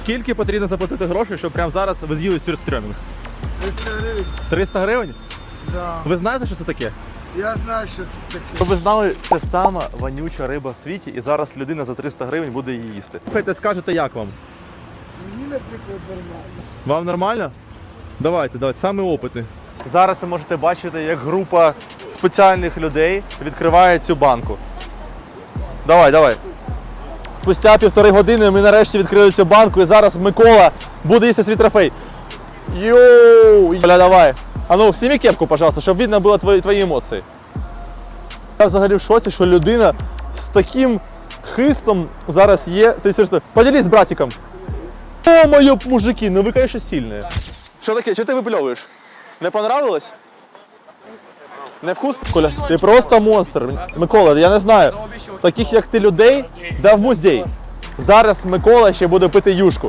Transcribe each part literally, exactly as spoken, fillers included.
Скільки потрібно заплатити грошей, щоб прямо зараз ви з'їли сюрстрьомінг? триста гривень. триста гривень? Да. Ви знаєте, що це таке? Я знаю, що це таке. Щоб ви знали, це сама вонюча риба в світі, і зараз людина за триста гривень буде її їсти. Слухайте, скажете, як вам? Мені, наприклад, нормально. Вам нормально? Давайте, давайте, саме опитний. Зараз ви можете бачити, як група спеціальних людей відкриває цю банку. Давай, давай. Спустя півтори години ми нарешті відкрили цю банку, і зараз Микола буде їсти свій трофей. Йоу! Оля, давай. А ну, сніми кепку, пожалуйста, щоб видно було твої, твої емоції. Я взагалі в шоці, що людина з таким хистом зараз є. Це серйозно. Поділись з братиком. О, моє мужики, ну ви, конечно, сильні. Що таке? Чого ти випльовуєш? Не понравилось? Не вкус? Коля, ти просто монстр. Микола, я не знаю. Таких, як ти, людей, да в музей. Зараз Микола ще буде пити юшку.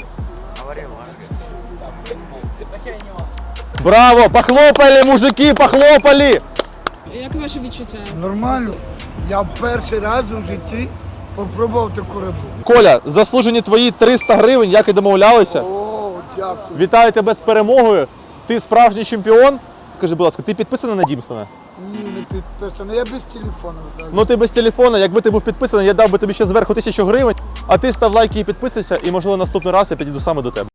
Браво! Похлопали, мужики, похлопали! Як ваше відчуття? Нормально. Я перший раз у житті попробував таку рибу. Коля, заслужені твої триста гривень, як і домовлялися. О, дякую. Вітаю тебе з перемогою. Ти справжній чемпіон. Скажи, будь ласка, ти підписаний на Дімсона? Ні, не підписано. Я без телефону взагалі. Ну ти без телефона, якби ти був підписаний, я дав би тобі ще зверху тисячу гривень, а ти став лайки і підписуйся, і можливо наступний раз я підійду саме до тебе.